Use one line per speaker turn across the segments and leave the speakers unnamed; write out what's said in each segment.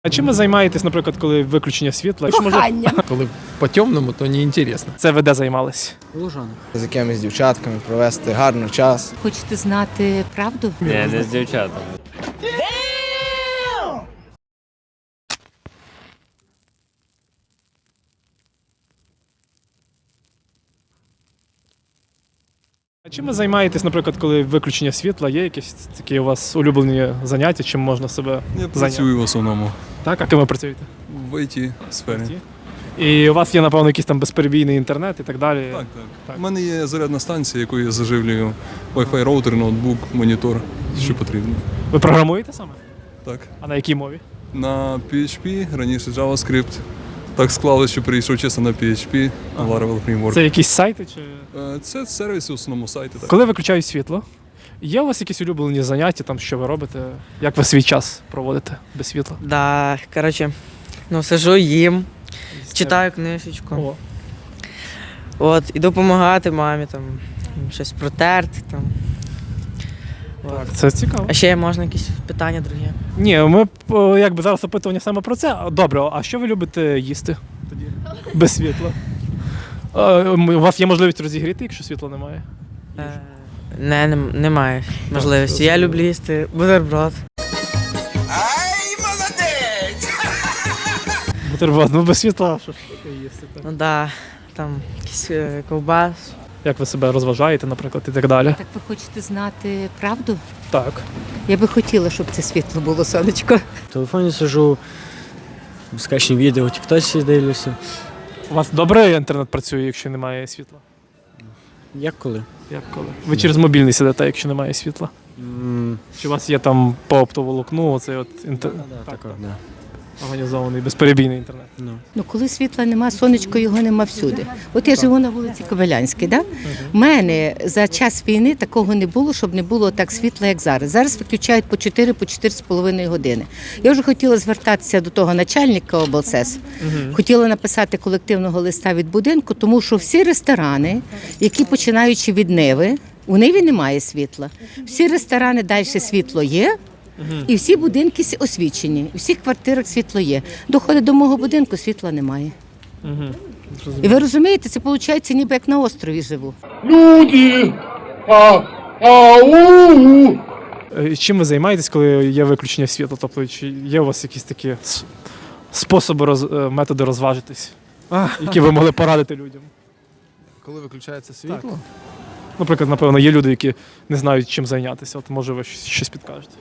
А чим ви займаєтесь, наприклад, коли виключення світла?
Коханням.
Коли по темному, то не інтересно.
Це ви де займались?
Лужанок.
З якимись дівчатками провести гарний час.
Хочете знати правду?
Ні, не з дівчатами.
А чим ви займаєтесь, наприклад, коли виключення світла? Є якісь такі у вас улюблені заняття, чим можна себе
Я
зайняти?
працюю в основному
Так, а ким ви працюєте?
в IT-сфері.
І у вас є, напевно, якийсь там безперебійний інтернет і так далі?
Так.
Так.
У мене є зарядна станція, якою я заживлюю Wi-Fi роутер, ноутбук, монітор, що потрібно.
Ви програмуєте саме?
Так.
А на якій мові?
На PHP, раніше JavaScript. Так склалося, що перейшов чесно на PHP, Laravel Framework.
Це якісь сайти? Чи...
Це сервіси, в основному сайти. Так.
Коли виключають світло, є у вас якісь улюблені заняття, там, що ви робите? Як ви свій час проводите без світла?
Да, коротше, сижу, їм, читаю книжечку.
О,
От, іду допомагати мамі, там, щось протерти. Там. От.
так, це цікаво.
А ще можна якісь питання другі?
Ні, ми якби зараз опитування саме про це. Добре, а що ви любите їсти тоді? Без світла? У вас є можливість розігріти, якщо світла немає?
Немає можливості. Я люблю їсти бутерброд.
Бутерброд, ну без світла, що ж їсти? Так?
Ну да, там якийсь ковбас.
Як ви себе розважаєте, наприклад, і так далі?
Так ви хочете знати правду?
Так.
Я би хотіла, щоб це світло було, сонечко.
В телефоні сижу, скачні відео, в тіктоці дивлюся.
У вас добре інтернет працює, якщо немає світла?
Як коли?
Як коли? Ви через мобільний сидите, якщо немає світла? Чи у вас є там по оптоволокну, оцей от
Так, да.
організований безперебійний інтернет?
Ну, коли світла нема, сонечко його нема всюди. От я живу на вулиці Кобилянській, да? У мене за час війни такого не було, щоб не було так світла, як зараз. Зараз виключають по 4-4,5 години. Я вже хотіла звертатися до того начальника облсес. Хотіла написати колективного листа від будинку, тому що всі ресторани, які починаючи від Ниви, у Ниві немає світла. Всі ресторани далі світло є. І всі будинки освічені, у всіх квартирах світло є. Доходить до мого будинку, світла немає. І ви розумієте, це виходить ніби як на острові живу.
Чим ви займаєтесь, коли є виключення світла? Тобто, чи є у вас якісь такі способи, методи розважитись, які ви могли порадити людям?
Коли виключається світло?
Наприклад, напевно, є люди, які не знають, чим зайнятися. От, може, ви щось підкажете?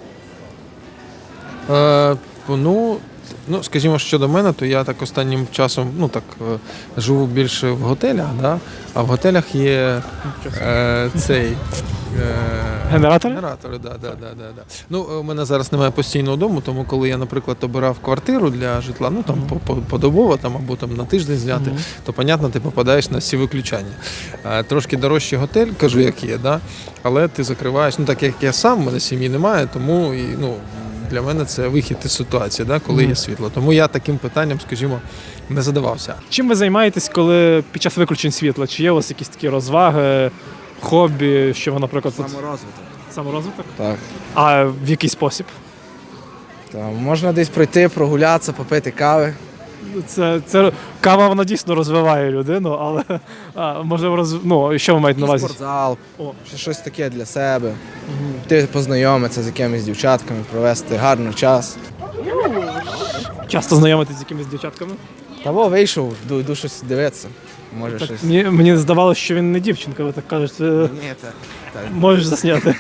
Скажімо, щодо мене, то я так останнім часом живу більше в готелях, да? А в готелях є цей
Генератори?
генератори. Да. У мене зараз немає постійного дому, тому коли я, наприклад, обирав квартиру для житла, подобово або на тиждень зняти, то, понятно, ти попадаєш на всі виключання. Трошки дорожчий готель, кажу, як є, да? Але ти закриваєш, так як я сам, в мене сім'ї немає, тому для мене це вихід із ситуації, да, коли є світло. Тому я таким питанням, скажімо, не задавався.
Чим ви займаєтесь, коли під час виключень світла? Чи є у вас якісь такі розваги, хобі, що ви, наприклад... Саморозвиток?
Так.
А в який спосіб?
Можна десь пройти, прогулятися, попити кави.
Кава, вона дійсно розвиває людину, але можливо, що ви маєте на увазі?
Спортзал, щось таке для себе. Ти познайомитися з якимись дівчатками, провести гарний час.
Часто знайомитись з якимись дівчатками?
Вийшов, йду щось дивитися. Може
Так,
щось.
мені здавалося, що він не дівчинка, ви так кажете.
Ні,
Можеш засняти.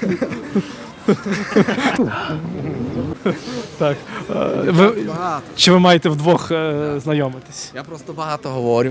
Так. Чи ви маєте вдвох знайомитись?
Я просто багато говорю.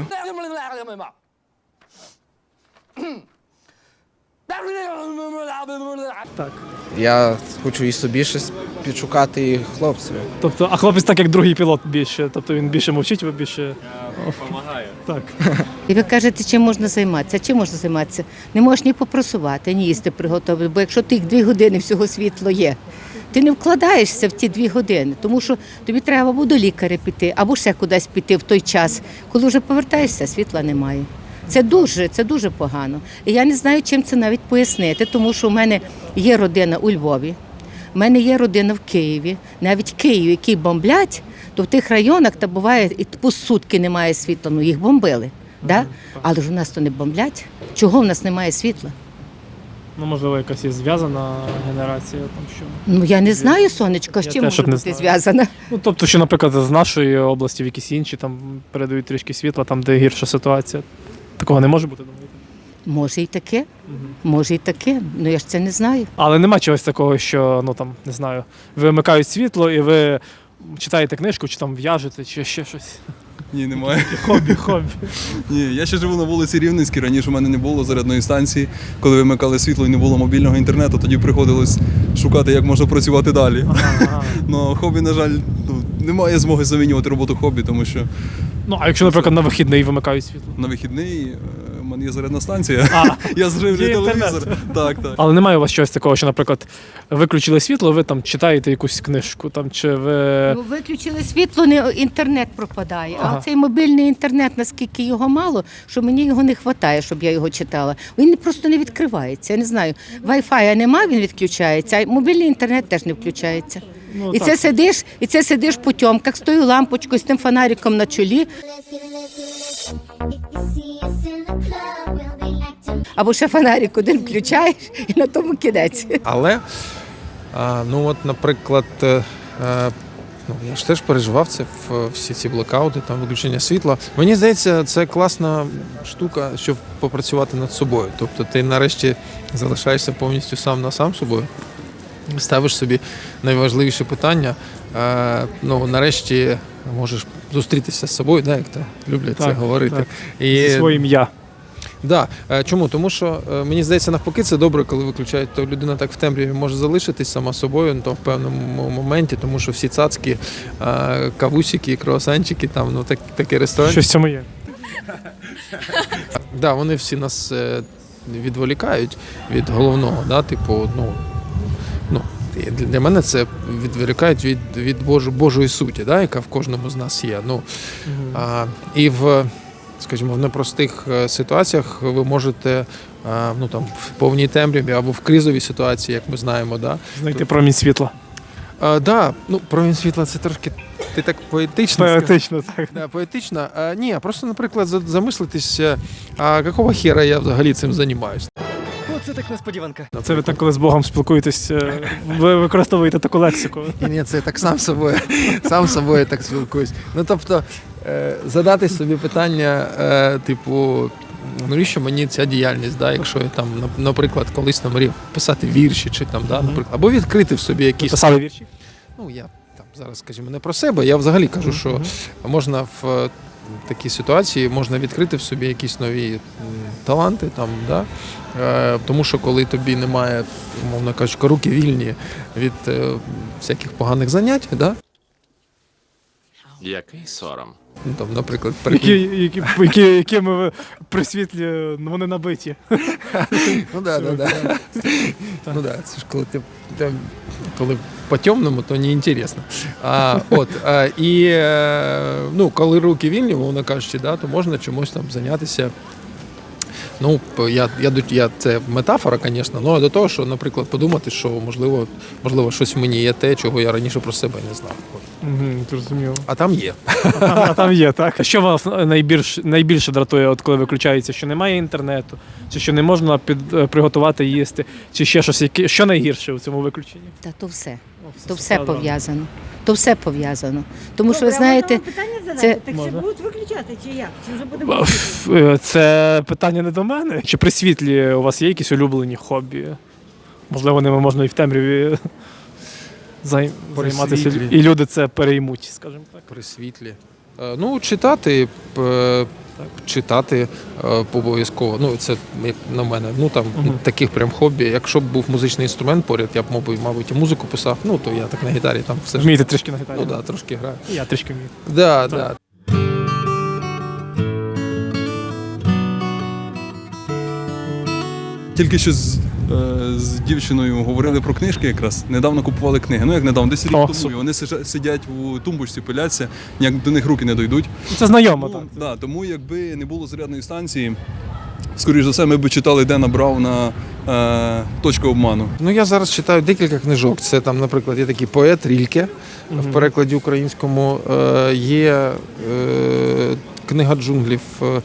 Так.
Я хочу і собі щось підшукати, і хлопцеві.
Тобто, а хлопець так як другий пілот більше, тобто він більше мовчить, ви більше...
Помагаю.
Так.
І ви кажете, чим можна займатися? Чим можна займатися? Не можеш ні попросувати, ні їсти приготувати, бо якщо тих 2 години всього світло є, ти не вкладаєшся в ті 2 години, тому що тобі треба або до лікаря піти, або ще кудись піти в той час, коли вже повертаєшся, світла немає. Це дуже погано. І я не знаю, чим це навіть пояснити, тому що в мене є родина у Львові. У мене є родина в Києві. Навіть Київ, який бомблять, то в тих районах та буває і по сутки немає світла. Ну їх бомбили. Да? Але ж у нас то не бомблять. Чого в нас немає світла?
Ну, можливо, якась є зв'язана генерація, там що.
Ну я не знаю, сонечко, з
Я
чим
теж
може
от не
бути
знаю.
зв'язана.
Ну, тобто, що, наприклад, з нашої області в якісь інші там передають трішки світла, там, де гірша ситуація. Такого не може бути, думаєте?
Може і таке, може і таке. Ну я ж це не знаю.
Але нема чогось такого, що, ну там, не знаю, вимикають світло і ви читаєте книжку, чи там в'яжете, чи ще щось.
Ні, немає.
Хобі.
Ні, я ще живу на вулиці Рівненській. Раніше в мене не було зарядної станції. Коли вимикали світло і не було мобільного інтернету, тоді приходилось шукати, як можна працювати далі.
Ага.
Ну, хобі, на жаль, немає змоги замінювати роботу хобі, тому що
Ну, а якщо, наприклад, на вихідний вимикають світло?
на вихідний в мене є зарядна станція.
А,
Я зживлюю
є інтернет.
телевізор. Так.
але немає у вас чогось такого, що, наприклад, виключили світло, ви там читаєте якусь книжку, там, чи ви...
Ну, виключили світло, не інтернет пропадає.
Ага.
А цей мобільний інтернет, наскільки його мало, що мені його не вистачає, щоб я його читала. Він просто не відкривається. Я не знаю. Wi-Fi нема, він відключається, а мобільний інтернет теж не включається.
Ну,
І
так.
це сидиш по тьомках з тою лампочкою, з тим фонариком на чолі. Або ще фонарик один включаєш і на тому кінець.
Але, ну от, наприклад, ну, я ж теж переживав це всі ці блекаути, там виключення світла. Мені здається, це класна штука, щоб попрацювати над собою. Тобто ти нарешті залишаєшся повністю сам на сам з собою, ставиш собі найважливіше питання. Ну, нарешті можеш зустрітися з собою, да, як то люблять це
Так,
говорити.
так.
І
Зі своїм я.
Да. Чому? Тому що мені здається, навпаки, це добре, коли виключають, то людина так в темряві може залишитись сама собою, то в певному моменті, тому що всі цацки, кавусики, круасанчики, там, ну такі ресторани.
Щось в цьому є.
Да, вони всі нас відволікають від головного, да, типу, ну, для мене це відволікають від Божої суті, да, яка в кожному з нас є. Ну, і скажімо, в непростих ситуаціях ви можете, ну там в повній темряві або в кризовій ситуації, як ми знаємо, да.
Знайти промінь світла.
Да, ну промінь світла це трошки ти так поетично.
Поетично, так.
Да, поетично. Ні, просто, наприклад, замислитись, а якого хера я взагалі цим займаюся.
Оце так несподіванка.
Це ви так, коли з Богом спілкуєтесь, ви використовуєте таку лексику.
Ні, це я так сам собою так спілкуюсь. Ну, тобто, задати собі питання, типу, навіщо мені ця діяльність, да, якщо я там, наприклад, колись там мрів писати вірші, чи там, да, наприклад, або відкрити в собі якісь...
Писали вірші?
Ну, я там зараз, скажімо, не про себе, я взагалі кажу, що можна в такій ситуації можна відкрити в собі якісь нові таланти, там, да? Тому що коли тобі немає, умовно кажучи, руки вільні від всяких поганих занять, да?
Який сором.
Ну, там, наприклад,
Якими ви при світлі, ну, вони набиті.
Ну да. Ну да, це ж коли коли по-темному, то не інтересно. Ну, коли руки вільні, мовно кажучи, да, то можна чомусь там зайнятися. Ну, це метафора, звісно, але до того, що, наприклад, подумати, що можливо щось в мені є те, чого я раніше про себе не знав.
Зрозуміло.
А там є.
А там є, так? Що вас найбільше дратує, от коли виключається, що немає інтернету, чи що не можна приготувати їсти, чи ще щось, що найгірше у цьому виключенні?
Та то все. То все пов'язано. То все пов'язано. Тому що ви знаєте, це
Так
Можна?
це будуть виключати чи як? Чи вже буде
Це питання не до мене. Чи при світлі у вас є якісь улюблені хобі? Можливо, ними можна і в темряві займатися,
світлі.
і люди це переймуть, скажімо так.
При світлі. Ну, читати обов'язково. Ну, це як на мене. Ну, там таких прям хобі. Якщо б був музичний інструмент поряд, я б, мабуть, і музику писав. Ну, то я так на гітарі там все ж.
Вмієте трішки на гітарі?
Ну, да, трошки граю.
Я трішки вмію.
Да,
Так.
да.
Тільки що з дівчиною говорили про книжки якраз. Недавно купували книги. Ну як недавно, десь рік
О,
тому.
супер.
І вони сидять у тумбочці, пиляться, ніяк до них руки не дойдуть.
Це знайомо,
Тому,
так.
да, тому якби не було зарядної станції, скоріш за все, ми б читали Дена Брауна «Точка обману».
Ну, я зараз читаю декілька книжок. Це там, наприклад, є такий поет Рільке в перекладі українському. Є книга джунглів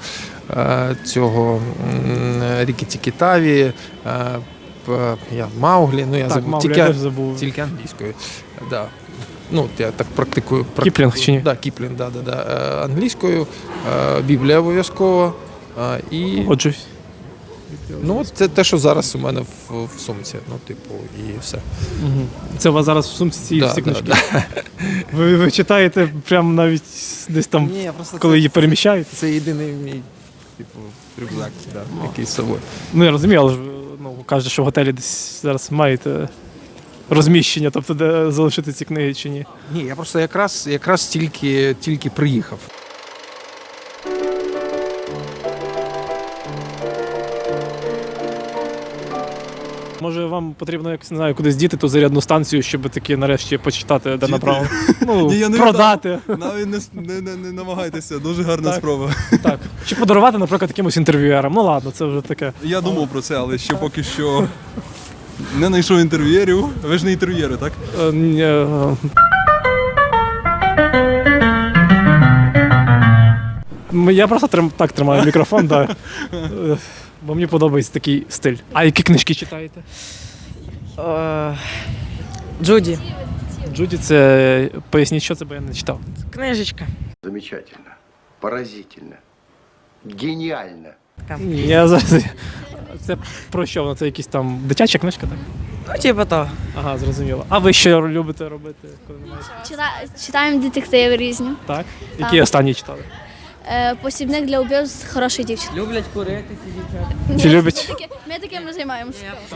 цього Рікі Тікітаві, Мауглі. Ну, я
Так,
забув.
Мауглі я теж забув.
Тільки англійською. Да. Ну, я так практикую.
Кіплінг чи ні?
Да, Кіплінг, да. Англійською, Біблія обов'язково. І
Ходжусь.
ну, це те, що зараз у мене в сумці. Ну, типу, і все.
Це у вас зараз в сумці ці
Да,
всі
да,
книжки? Ви читаєте прямо навіть десь там,
Ні, я просто
коли її переміщаєте?
Це єдиний мій, типу, рюкзак, який з собою.
Ну, я розумію, але ж кажете, що в готелі десь зараз маєте розміщення, тобто де залишити ці книги чи ні?
Ні, я просто якраз тільки приїхав.
Може, вам потрібно якось, не знаю, кудись діти ту зарядну станцію, щоб таки нарешті почитати, де направо. Ну,
Ні, я не
продати.
Навіть не намагайтеся, дуже гарна
Так.
спроба.
Так. Чи подарувати, наприклад, якимось інтерв'юерам. Ну ладно, це вже таке.
Я думав про це, але ще поки що не знайшов інтерв'єрів. Ви ж не інтерв'єри, так?
Я просто так тримаю мікрофон, да. Бо мені подобається такий стиль. А які книжки читаєте?
Джуді.
Джуді, це поясніть, що це, бо я не читав.
Книжечка.
Замечательно, поразительно, гениально.
Я зараз. Це про що воно? Це якісь там дитяча книжка, так?
Ну, типу того.
Ага, зрозуміло. А ви що любите робити, коли немає?
Читаємо детективи різні.
Так? Які останні читали?
Посібник для убивств хорошої дівчини.
Люблять курити ці дівчата.
Чи любить?
Ми таким не займаємося.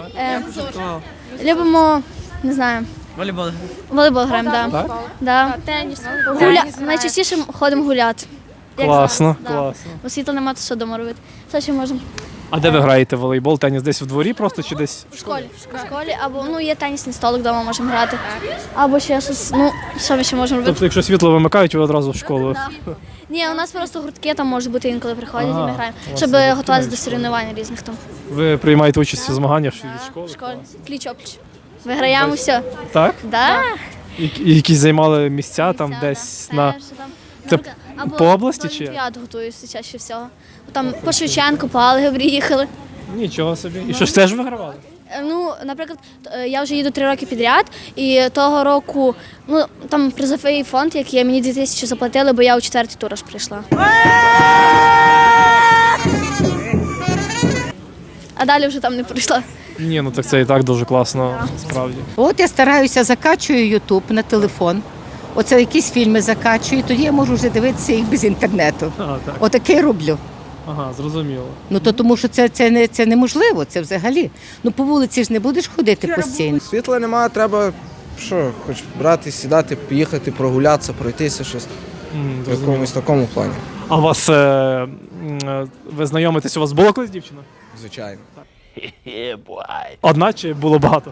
Любимо, не знаю,
Волейбол.
волейбол граємо, так.
Так?
Да. Теніс. Найчастіше ходимо гуляти. Як
Класно,
зараз, да.
класно.
Бо світла немає, то що вдома робити. Все, що можемо.
А де ви граєте в волейбол? Теніс десь в дворі просто чи десь?
В школі. В школі, або ну, є тенісний столик вдома можемо грати. Або ще щось, ну, що ми ще можемо робити.
Тобто, якщо світло вимикають, ви одразу в школу.
Да. Ні, у нас просто гуртки там можуть бути інколи приходять, і
Ага,
ми граємо,
у вас
щоб
є
готуватися
гуртки
до соревнувань різних там.
Ви приймаєте участь у змаганнях від школи?
В школі. Пліч-опліч. Виграємо все.
Так?
Да.
І якісь займали місця там десь на.
Перше там.
Це
Або
по області
до
чи як?
Олімпіад готуюся чаще всього. Там по Шевченку, по Алгебрі їхали.
Нічого собі. І що ж теж вигравали?
Ну, наприклад, я вже їду 3 роки підряд, і того року, ну, там призовий фонд, який я мені 2000 заплатили, бо я у 4-й тур аж прийшла. А далі вже там не прийшла.
Ні, ну так це і так дуже класно, справді.
От я стараюся, закачую Ютуб на телефон. Оце якісь фільми закачую, тоді я можу вже дивитися їх без інтернету.
А, так.
Отаке роблю.
Ага, зрозуміло.
Ну то тому, що це неможливо, це взагалі. Ну по вулиці ж не будеш ходити постійно.
Світла немає, треба що, хоч брати, сідати, поїхати, прогулятися, пройтися щось в якомусь такому плані.
А у вас ви знайомитесь, у вас було колись дівчина?
Звичайно.
Одна чи було багато?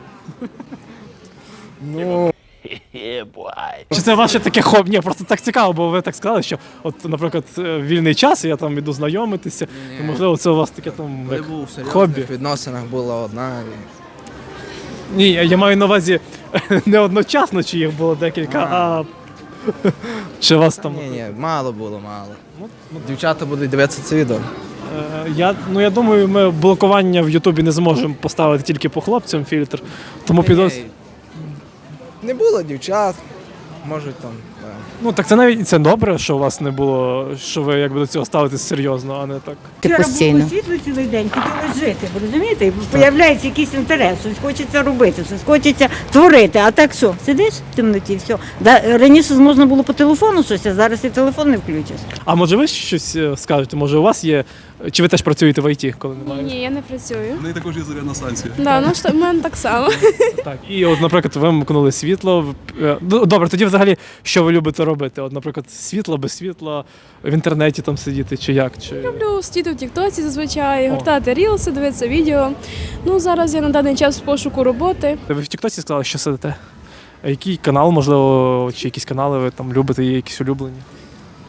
Ну,
Чи це ваше таке хобі? Ні, просто так цікаво, бо ви так сказали, що от, наприклад, вільний час, і я там іду знайомитися, і можливо це у вас таке там
коли
як
був в
хобі.
серйозних відносинах була одна.
Ні, я маю на увазі не одночасно, чи їх було декілька, а чи вас там.
Ні, мало було, мало. Дівчата будуть дивитися це відео.
Я думаю, ми блокування в Ютубі не зможемо поставити тільки по хлопцям фільтр, тому підозрюю.
Не було дівчат, можуть там. Да.
Ну так це навіть це добре, що у вас не було, що ви якби до цього ставитесь серйозно, а не так.
Ти
Вчора
постійно.
було світло цілий день, хотілося жити, ви розумієте? І появляється якийсь інтерес, щось хочеться робити, щось хочеться творити. А так що, сидиш в темноті, все. Раніше можна було по телефону щось, а зараз і телефон не включиш.
А може ви щось скажете? Може у вас є, чи ви теж працюєте в ІТ, коли немає?
Ні, я не працюю.
В неї також є зарядна станція.
Да, ну що в мене так само.
Так, і от, наприклад, ви вимкнули світло. Добре, тоді взагалі, що ви любите робити? От, наприклад, світло, без світла, в інтернеті там сидіти, чи як? Чи...
Люблю сидіти в Тіктоці зазвичай, гортати рілси, дивитися відео. Ну, зараз я на даний час в пошуку роботи.
Ви в Тіктоці сказали, що сидите? А який канал, можливо, чи якісь канали ви там любите, є якісь улюблені?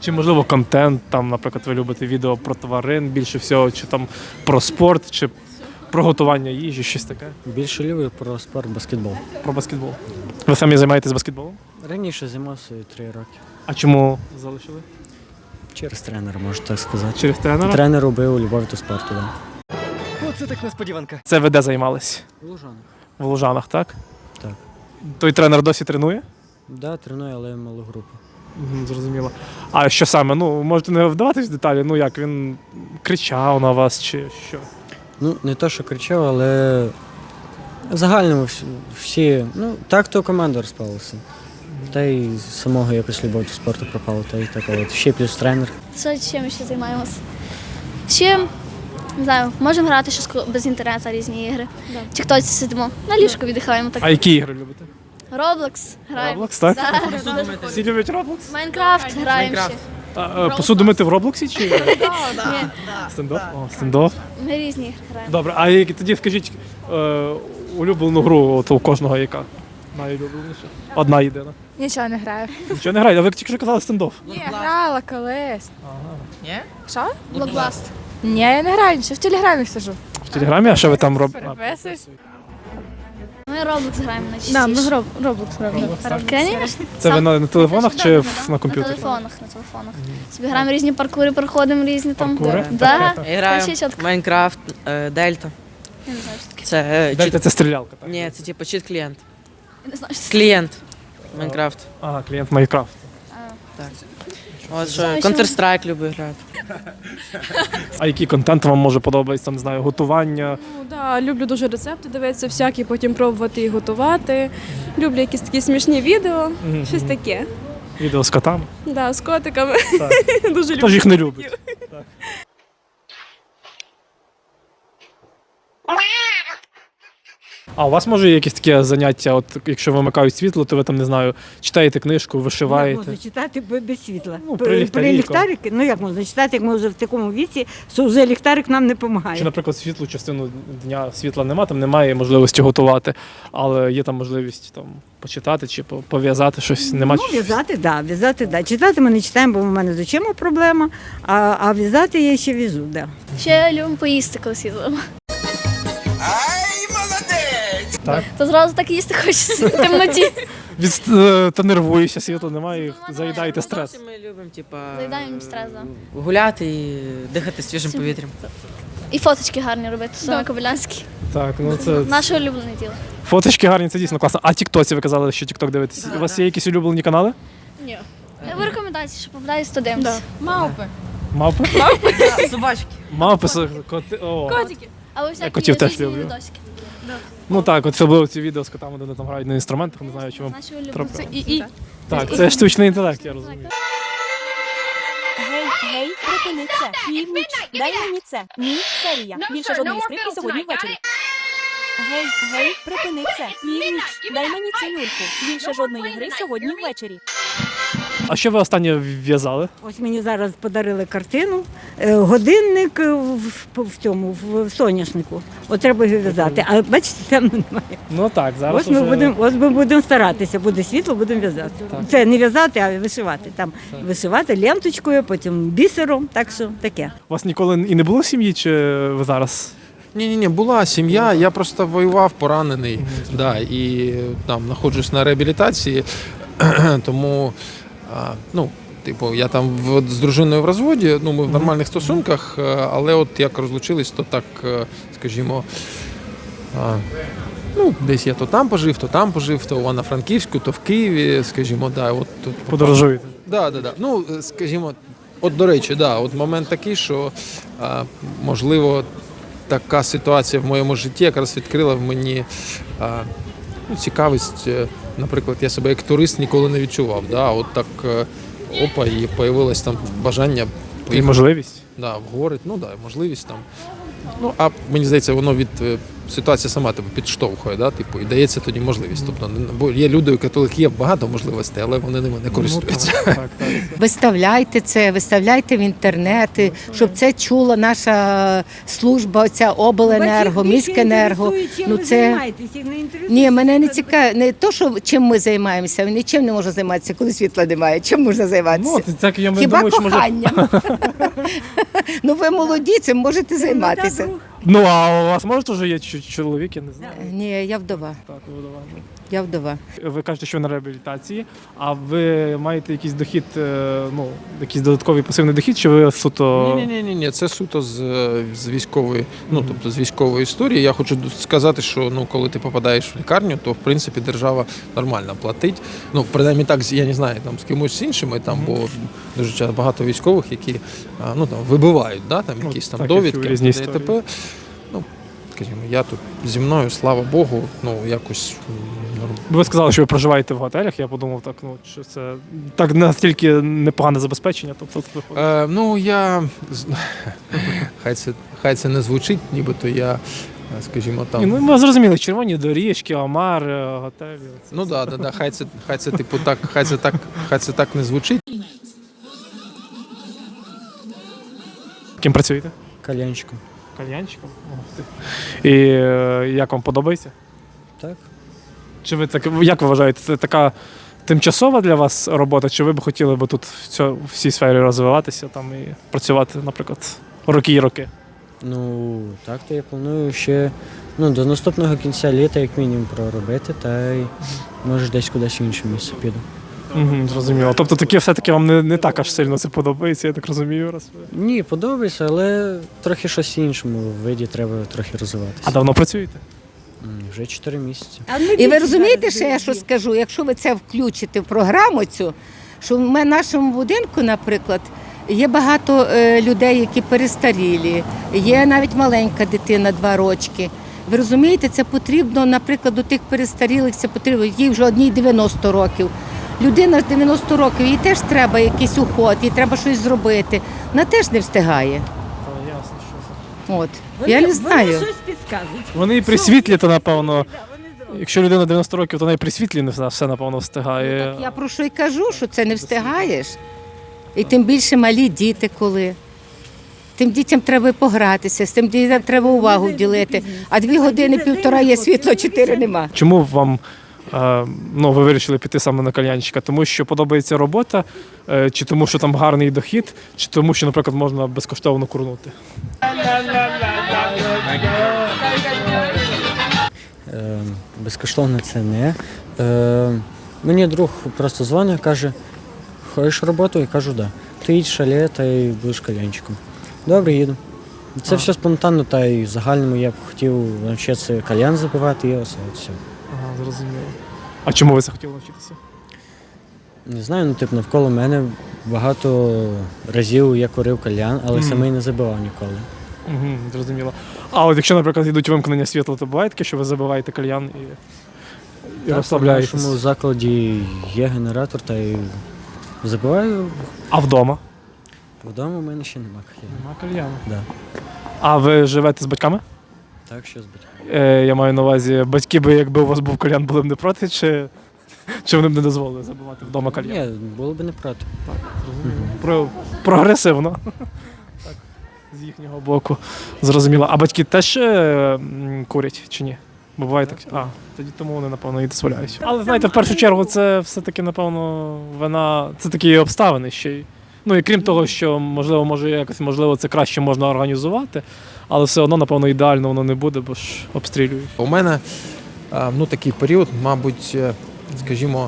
Чи можливо контент, там, наприклад, ви любите відео про тварин більше всього, чи там про спорт, чи про готування їжі, щось таке?
Більше люблю про спорт, баскетбол.
Про баскетбол. Ви самі займаєтесь баскетболом?
Раніше займався 3 роки.
А чому залишили?
Через тренера, можна так сказати.
Через тренера?
Тренер робив любов до спорту, так.
Оце так несподіванка.
Це ви де займались?
Да. Лужанок.
В Лужанах, так?
Так.
Той тренер досі тренує?
Да, треную, але малу групу.
Зрозуміло. А що саме? Ну, можете не вдаватись в деталі, ну як, він кричав на вас чи що?
Ну, не то, що кричав, але в загальному всі, ну, так то команда розпалася. Та й з самого якось любов до спорту пропала, та й така от. Ще плюс тренер.
Що, чим ще займаємося? Ще, не знаю, можемо грати щось без інтернету, різні ігри. Чи хтось сидимо, на ліжку віддихаємо. Так.
А які ігри любите?
Roblox граємо.
Roblox, так?
Да.
Всі люблять Roblox?
Майнкрафт граємо ще.
Посуду мити в Роблоксі чи
Ні,
стендоп? О, стендоп.
ми різні ігри граємо.
Добре, а тоді скажіть улюблену гру от у кожного яка? Найулюбленіша? Одна єдина.
Нічого не граю.
Нічого не грає, а ви тільки що казали стендоп.
Ні, грала колись.
Ні?
Що?
Блокбаст.
Ні, я не граю, нічого в телеграмі сижу.
В Телеграмі, а що ви там робите?
Переписуюсь.
Ми Roblox граємо найчастіше.
Да, ми Roblox граємо.
Конечно.
Це ви на телефонах чи на
На
комп'ютері?
телефонах, на телефонах. Собі граємо різні паркури, проходимо різні там.
Паркури?
Да.
Я граю
Ще чітко.
Майнкрафт, Дельта.
Я не знаю, що таке.
Це
Дельта це стрілялка, так?
Ні, це типу чит-клієнт.
Я не знаю, що це.
Клієнт. Майнкрафт.
Ага, клієнт Майнкрафт.
Так. От що Counter-Strike люблю грати.
А який контент вам може подобається, там, не знаю, готування?
Ну, да, люблю дуже рецепти дивитися, всякі, потім пробувати і готувати. Люблю якісь такі смішні відео, щось таке.
Відео з котами?
Да, з котиками.
Так.
Дуже
Хто
люблю.
ж їх не любить? Так. А у вас може є якісь такі заняття, от якщо вимикають світло, то ви там, не знаю, читаєте книжку,
Як
вишиваєте?
можна читати без світла?
Ну, при ліхтарі,
ліхтарики, ну як можна читати, як ми вже в такому віці, що вже ліхтарик нам не
Чи,
допомагає.
наприклад, світлу частину дня світла нема, там немає можливості готувати, але є там можливість там почитати чи пов'язати щось, нема
Ну, в'язати, да. Читати ми не читаємо, бо в мене з очима проблема, а в'язати я ще в'яжу, да.
Ще любимо поїсти, коли світло.
Так.
То зразу так їсти хочеться в темноті.
Та нервуєшся, світла немає, і заїдаєте стрес.
Ми любимо, типа,
Заїдаємо стрес, да.
гуляти і дихати свіжим повітрям.
І фоточки гарні робити, саме Кобилянські.
Так, ну це
Наше улюблене діло.
фоточки гарні, це дійсно класно. А тіктоці ви казали, що тікток дивитесь. У вас є якісь улюблені канали?
Ні. Ви рекомендації, що попадає 100 дивимося.
Мавпи.
Мавпи?
Собачки.
Мавпи, коти. О.
Котики.
А ви всякі
котів теж
різні
люблю.
відосики.
Ну так, от особливо ці відео з котами, де вони там грають на інструментах, не знаю, чи вам
Наші улюблені.
трапили.
І.
Так, це штучний інтелект, я розумію.
Гей, припини це. Північ. Дай мені це. Ні, серія. Більше жодної скрипки сьогодні ввечері. Гей, припини це. Північ. Дай мені цю люльку. Більше жодної гри сьогодні ввечері.
А що ви останнє в'язали?
Ось мені зараз подарили картину, годинник в цьому, в соняшнику. От треба його в'язати. А бачите, там немає.
Ну так, зараз
Ось ми будемо старатися, буде світло, будемо в'язати. Це не в'язати, а вишивати. Там вишивати ленточкою, потім бісером, так що таке.
У вас ніколи і не було в сім'ї, чи ви зараз?
Ні, була сім'я, я просто воював поранений, да, і там знаходжусь на реабілітації, тому, ну, типу, я там з дружиною в розводі, ну, ми в нормальних стосунках, але от як розлучились, то так, скажімо, ну, десь я то там пожив, то в Івано-Франківську, то в Києві, скажімо, да, от тут
Подорожуєте?
Да. Ну, скажімо, от до речі, да, от момент такий, що можливо така ситуація в моєму житті якраз відкрила в мені ну, цікавість. Наприклад, я себе як турист ніколи не відчував. Да, от так опа, і появилось там бажання
І можливість?
Да, в гори, ну да, можливість там. Ну, а мені здається, воно від ситуація сама тебе підштовхує, да, типу, і дається тоді можливість. Тобто, бо є люди, у яких є багато можливостей, але вони ними не користуються.
Ну, так.
Виставляйте це, виставляйте в інтернети, щоб це чула наша служба, оця обленерго, міськенерго. Ну це ні, мене не цікавить. Не то, що чим ми займаємося, нічим не можна займатися, коли світла немає. Чим можна займатися?
Ну, так, я
Хіба
думаю, що може...
коханням? Ну ви молоді, цим можете займатися.
Ну, а у вас може теж є чоловік, я не знаю.
Ні, я вдова.
Так, ви вдова.
Я вдова.
Ви кажете, що ви на реабілітації, а ви маєте якийсь дохід, ну, якийсь додатковий пасивний дохід, чи ви суто...
Ні, це суто з військової, ну, тобто з військової історії. Я хочу сказати, що, ну, коли ти попадаєш в лікарню, то, в принципі, держава нормально платить. Ну, принаймні так, я не знаю, там, з кимось іншими, там, бо дуже часто багато військових, які, ну, там, вибивають, да, там, якісь там
так,
довідки,
різні
ДТП. Ну, скажімо, я тут зі мною, слава Богу, ну, якось...
Ви сказали, що ви проживаєте в готелях, я подумав, так, ну, що це так настільки непогане забезпечення, тобто виходить.
Ну, я... Хай це не звучить, нібито я, скажімо, там...
Ну, ми зрозуміли, червоні доріжки, омар, готелі.
Ну, да, хай це, типу, так, хай це так не звучить.
Ким працюєте?
Кальянчиком.
Кальянчиком? І як вам подобається?
Так.
Чи ви так, як ви вважаєте, це така тимчасова для вас робота, чи ви б хотіли б тут в цій сфері розвиватися там і працювати, наприклад, роки і роки?
Ну, так, то я планую ще до наступного кінця літа, як мінімум, проробити, та й може десь кудись в інше місце піду.
Зрозуміло. Тобто таке все-таки вам не так аж сильно це подобається, я так розумію. Раз.
Ні, подобається, але трохи щось іншому виді треба трохи розвиватися.
А давно працюєте?
Вже 4 місяці.
І ви розумієте, що я що скажу? Якщо ви це включите в програму цю, що в нашому будинку, наприклад, є багато людей, які перестарілі, є навіть маленька дитина, 2 рочки. Ви розумієте, це потрібно, наприклад, до тих перестарілих, це потрібно, їй вже одній 90 років. Людина з 90 років, їй теж треба якийсь уход, їй треба щось зробити. Вона теж не встигає.
Ясно, що
От. Я не знаю.
Вони щось підказують.
Вони і при світлі, то напевно, якщо людина 90 років, то вона і при світлі не все, напевно, встигає.
Я про що й кажу, що це не встигаєш. І тим більше малі діти коли. Тим дітям треба погратися, з тим дітям треба увагу вділити. А 2 години, 1,5 є світло, 4 нема.
Чому вам ви вирішили піти саме на кальянщика? Тому що подобається робота, чи тому, що там гарний дохід, чи тому, що, наприклад, можна безкоштовно курнути?
Безкоштовно це не. Мені друг просто дзвонить, каже, хочеш роботу? Я кажу, да. Ти їдь в шале та й будеш кальянчиком. Добре, їду. Це все спонтанно, та й в загальному я б хотів навчитися кальян забивати і все.
Ага, зрозуміло. А чому ви захотіли навчитися?
Не знаю, навколо мене багато разів я курив кальян, але самий не забивав ніколи.
Зрозуміло. А от якщо, наприклад, йдуть вимкнення світла, то буває таке, що ви забиваєте кальян і розслабляєтесь?
В нашому закладі є генератор, та й забиваю.
А вдома?
Вдома в мене ще нема кальяну.
Нема кальяну.
Да.
А ви живете з батьками?
Так, що з батьками.
Я маю на увазі, батьки би, якби у вас був кальян, були б не проти, чи вони б не дозволили забивати вдома кальян?
Ні, було б не проти.
Так, зрозуміло. Прогресивно. Так, з їхнього боку. Зрозуміло. А батьки теж курять чи ні? Бо буває так. Тоді тому вони, напевно, і дозволяють. Але, знаєте, в першу чергу, це все-таки, напевно, це такі обставини ще й. Ну і крім того, що, можливо, це краще можна організувати, але все одно, напевно, ідеально воно не буде, бо ж обстрілюють.
У мене такий період, мабуть, скажімо,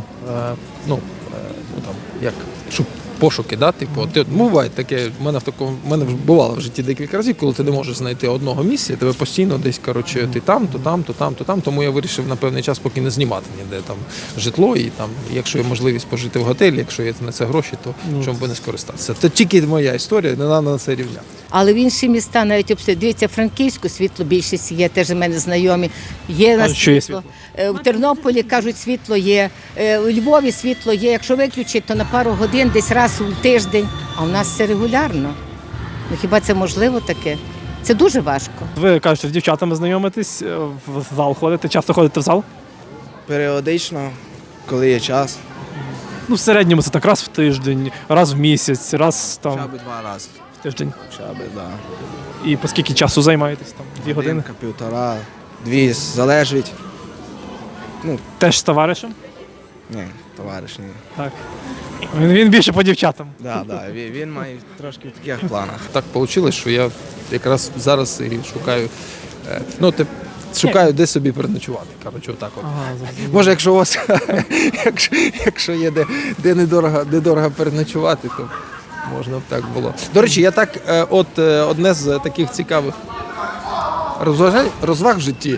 як пошуки, да? Типу, буває таке, в мене бувало в житті декілька разів, коли ти не можеш знайти одного місця, тебе постійно десь, ти там, то там, тому я вирішив на певний час поки не знімати ніде там житло, і там, якщо є можливість пожити в готелі, якщо є на це гроші, то чому би не скористатися. Це тільки моя історія, не треба на це рівняти.
Але в інші міста навіть обстрілюють. Дивіться, Франківську світло більшість є, теж у мене знайомі. Є на світло. В Тернополі, кажуть, світло є. У Львові світло є. Якщо виключить, то на пару годин, десь раз у тиждень. А у нас це регулярно. Ну хіба це можливо таке? Це дуже важко.
Ви кажете, з дівчатами знайомитесь, в зал ходите, часто ходите в зал?
Періодично, коли є час,
Ну, в середньому це так раз в тиждень, раз в місяць, раз там
хоча б 2 рази.
в тиждень.
Хоча б, да.
І по скільки часу займаєтесь там? 2 години?
Годинка, півтора, 2, залежить.
Теж з товаришем?
Ні, товариш, ні.
Так. Він більше по дівчатам.
Да, він має трошки в таких планах.
Так вийшло, що я якраз зараз і шукаю, шукаю, де собі переночувати. Коротше, отак от. Може, якщо у вас якщо є де недорого переночувати, то можна б так було. До речі, я так, одне з таких цікавих розваг в житті,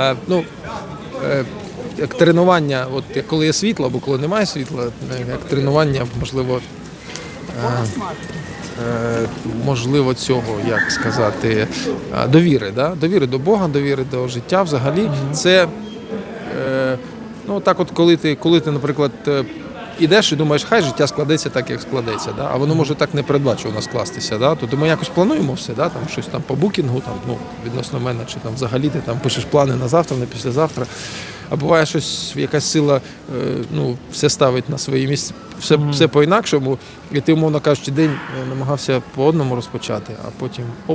як тренування, от коли є світло або коли немає світла, як тренування, можливо, цього, як сказати, довіри, да? Довіри до Бога, довіри до життя взагалі. Це, так от, коли ти, наприклад, ідеш і думаєш, хай життя складеться так, як складеться, да? А воно може так непередбачувано скластися. Да? Тобто ми якось плануємо все, да? Там, щось там по букінгу, там, відносно мене, чи там взагалі ти там пишеш плани на завтра, на післязавтра. А буває щось, якась сила все ставить на свої місця, все по-інакшому, і ти, умовно кажучи, день намагався по одному розпочати, а потім оп,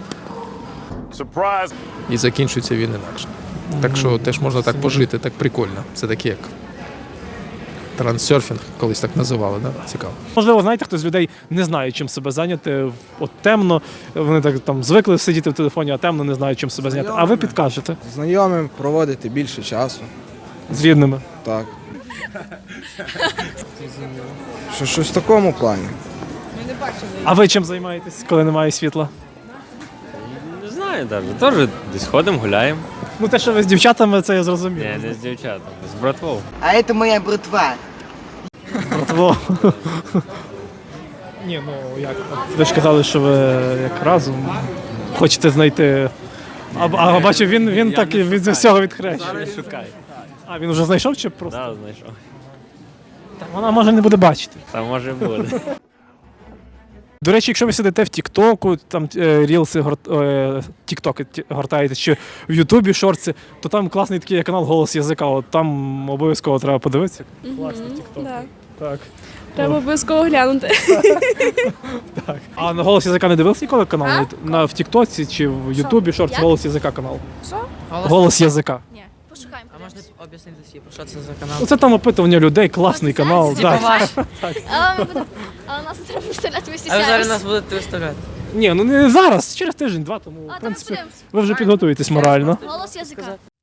і закінчується він інакше. Так що теж можна так пожити, так прикольно. Це таке як трансерфінг, колись так називали, да? Цікаво.
Можливо, знаєте, хтось з людей не знає, чим себе зайняти. От темно, вони так там звикли сидіти в телефоні, а темно не знають, чим себе зайняти. А ви підкажете
Знайомим проводити більше часу.
з рідними.
Так. Щось в такому плані.
А ви чим займаєтесь, коли немає світла?
Не знаю навіть. Теж десь ходимо, гуляємо.
Ну те, що ви з дівчатами, це я зрозумів.
Ні, не з дівчатами, з братвою.
А це моя братва.
Братво. Ні, як? Ви ж казали, що ви як разом хочете знайти. А бачу, він так від всього відхрещує.
Зараз шукай.
А він вже знайшов чи просто?
Так, знайшов.
Так, вона може не буде бачити.
Там може буде.
До речі, якщо ви сидите в Тіктоку, там рілси, Тіктоки гортаєте, чи в Ютубі шорти, то там класний такий канал «Голос язика». От там обов'язково треба подивитися. Класний Тікток. Так.
Треба обов'язково глянути.
Так. А на «Голос язика» не дивився ніколи канал? В Тіктоці чи в Ютубі шорти «Голос язика» канал?
Що?
«Голос язика».
Ні, пошукаємо.
А можна об'яснити всі, про що це за канал?
Оце там опитування людей, класний канал.
Типа ваш.
Але нас не треба представляти, ми
А ви
стісняємось.
зараз нас будете виставляти.
Ні, ну не зараз, через тиждень-два, тому в принципі ви вже підготуєтесь морально.
Голос язика.